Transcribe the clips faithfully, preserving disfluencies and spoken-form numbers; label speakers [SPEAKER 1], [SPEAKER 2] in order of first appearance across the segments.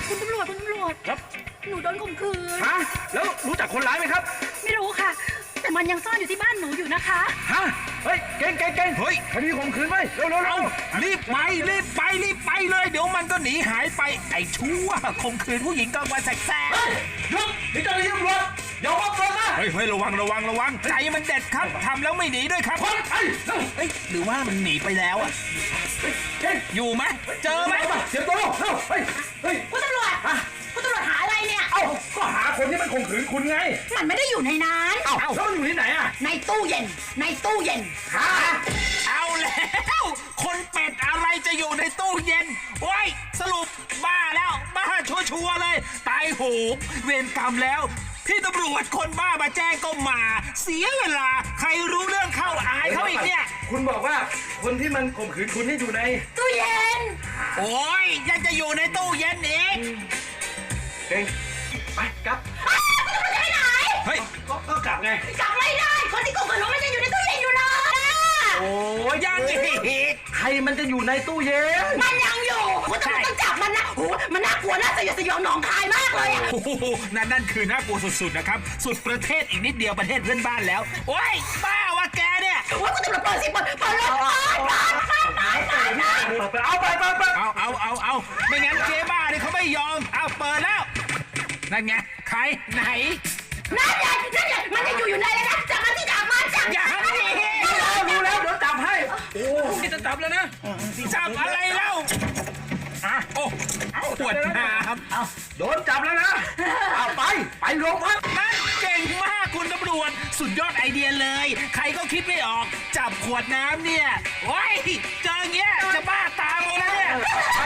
[SPEAKER 1] คุณตำรวจคุณตำรวจ
[SPEAKER 2] ครับ
[SPEAKER 1] หนูโดนข่มขืน
[SPEAKER 2] ฮะแล้วรู้จักคนร้ายไหมครับ
[SPEAKER 1] ไม่รู้ค่ะ แต่มันยังซ่อนอยู่ที่บ้านหนูอยู่นะคะ
[SPEAKER 2] ฮะเฮ้ยเก่งเก่งเก่ง
[SPEAKER 3] เฮ้ย
[SPEAKER 2] คดีข่มขืนไหมเร็วเร็วเร็
[SPEAKER 3] เอา
[SPEAKER 2] ว
[SPEAKER 3] รีบไปรีบไปรีบไปเลย เดี๋ยวมันก็หนีหายไปไอ้ชั่วข่มขืนผู้หญิงกลางวันแสก
[SPEAKER 2] เฮ้ยหยุดนี่เจ้าหน้าที่ตำรวจอย่ามอบตัวนะ
[SPEAKER 3] ๆเฮ้ยเฮ้ยระวังระวังระวังใจมันเด็ดครับทำแล้วไม่หนีด้วยครับ
[SPEAKER 2] คนไอ้เร็ว
[SPEAKER 3] เฮ้ยหรือว่ามันหนีไปแล้วอ่ะ
[SPEAKER 2] เก่ง
[SPEAKER 3] อยู่ไหมเจอไหม
[SPEAKER 2] เสียตัวเร็วเร็วเฮ้ยเฮ้ย
[SPEAKER 1] คุณตำรวจ
[SPEAKER 2] ฮะ
[SPEAKER 1] คุณตำรวจหาอะไรเนี่ย
[SPEAKER 2] เอ้าก็หาคนที่มันข่มขืนคุณไง
[SPEAKER 1] มันไม่ได้อยู่ในนั้น
[SPEAKER 2] เอ้าแล้วมันอยู่ที่ไหนอ่ะ
[SPEAKER 1] ในตู้เย็น ในตู้เย็น
[SPEAKER 2] ฮะ
[SPEAKER 3] เอาแล้วคนเป็ดอะไรจะอยู่ในตู้เย็นโอ้ยสรุปบ้าแล้วบ้าชัวร์ๆเลยตายโหงเวรกรรมแล้วพี่ตำรวจคนบ้ามาแจ้งก็มา เสียเวลาใครรู้เรื่องเข้าอายเขาอีกเนี่ย
[SPEAKER 2] คุณบอกว่าคนที่มันข่มขืนคุณนี่อยู่ใน
[SPEAKER 1] ตู้เย็น
[SPEAKER 3] โอ้ยยังจะอยู่ในตู้เย็นอีก
[SPEAKER 2] เก่งไปกลับ
[SPEAKER 1] อ้าวคุณตำรวจจะไปไหน
[SPEAKER 3] เฮ้ย
[SPEAKER 2] ก็ก็กลับไง
[SPEAKER 1] กลับไม่ได้ คนที่ข่มขืนหนูมันจะอยู่ในตู้เย็นอยู่เลยอะ
[SPEAKER 2] โอ้ย
[SPEAKER 3] ยังอีก
[SPEAKER 2] ใครมันจะอยู่ในตู้เย็น
[SPEAKER 1] มันยังอยู่ คุณตำรวจต้องจับมันนะโอ้โหมันน่ากลัวน่าสยดสยองหนองคายมากเลยอะ
[SPEAKER 3] โอ้โหนั่นนั่นคือน่ากลัวสุดๆนะครับ สุดประเทศอีกนิดเดียวประเทศเพื่อนบ้านแล้ว โอ้ยบ้าวะแกเนี่ย
[SPEAKER 1] โอ้ยคุณตำรวจเปิดสิเปิดเปิดเลยเปิดเปิดเปิดเปิดเปิดเปิด
[SPEAKER 2] เอาไปไปไป
[SPEAKER 3] เอาเอาเอาเอาไม่งั้นเจ๊บ้านี่เขาไม่ยอม เอาเปิดแล้ว นั่นไง ใคร ไหน
[SPEAKER 1] นั่นไงนั่นไงมันยังอยู่อยู่ในเลยนะจับมันที่จับมันจับ
[SPEAKER 3] อย่า
[SPEAKER 1] มัน
[SPEAKER 3] หนี
[SPEAKER 2] รู้แล้วเดี๋ยวจับให้ โอ้ยจะจับแล้วนะ
[SPEAKER 3] จับอะไรเล่าอ่ะโอ้ปวดน้
[SPEAKER 2] เอาโดนจับแล้วนะเอาไปไปโรงพัก
[SPEAKER 3] ำนั่นเก่งมากคุณตำรวจ สุดยอดไอเดียเลย ใครก็คิดไม่ออก จับขวดน้ำเนี่ยโอ้ยเจออย่างเงี้ยจะบ้าตามเลยนะเนี่ย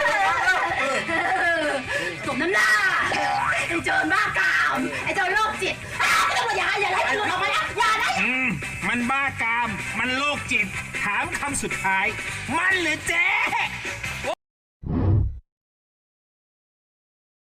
[SPEAKER 1] สมน้ำหน้าไอ้โจรบ้ากามไอ้โจรโรคจิตอ้าวคุณตำรวจอย่าอย่าไล่ตำรวจออกมานะอย่านะ
[SPEAKER 3] อืมมันบ้ากาม มันโรคจิต ถามคำสุดท้าย มันหรือเจ๊